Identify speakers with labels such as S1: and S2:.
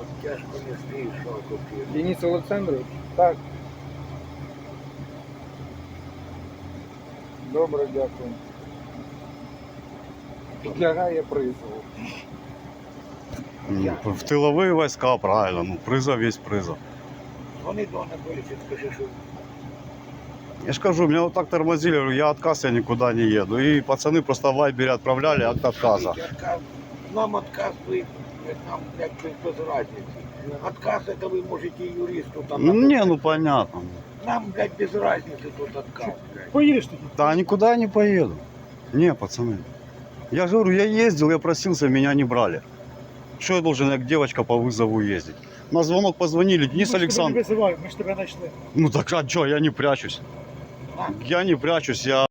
S1: Тяжко не стоїш, що купив.
S2: Денис Олександрович? Так. Добре, дякую. Підлягає призову.
S3: Ну, в тыловые войска, правильно. Ну, призов есть призов.
S1: Вони до Анатолійовича, скажи, що
S3: Я ж кажу, меня вот так тормозили, говорю, я отказ, я никуда не еду. И пацаны просто в Вайбере отправляли акт отказа.
S1: нам отказ ви, нам якби без разницы. Отказ это вы можете юристу там.
S3: Не, ну понятно.
S1: Нам, блядь, без разницы тут отказ, блядь.
S2: Поїдеш тоді?
S3: Да никуда я не поеду. Не, пацаны. Я же говорю, я ездил, я просился, меня не брали. Что я должен, как девочка по вызову ездить? На звонок позвонили, Денис Александрович.
S2: Ми ж тебе не визиваємо, ми ж тебе знайшли.
S3: Ну так а что, я не прячусь. Я не прячусь, я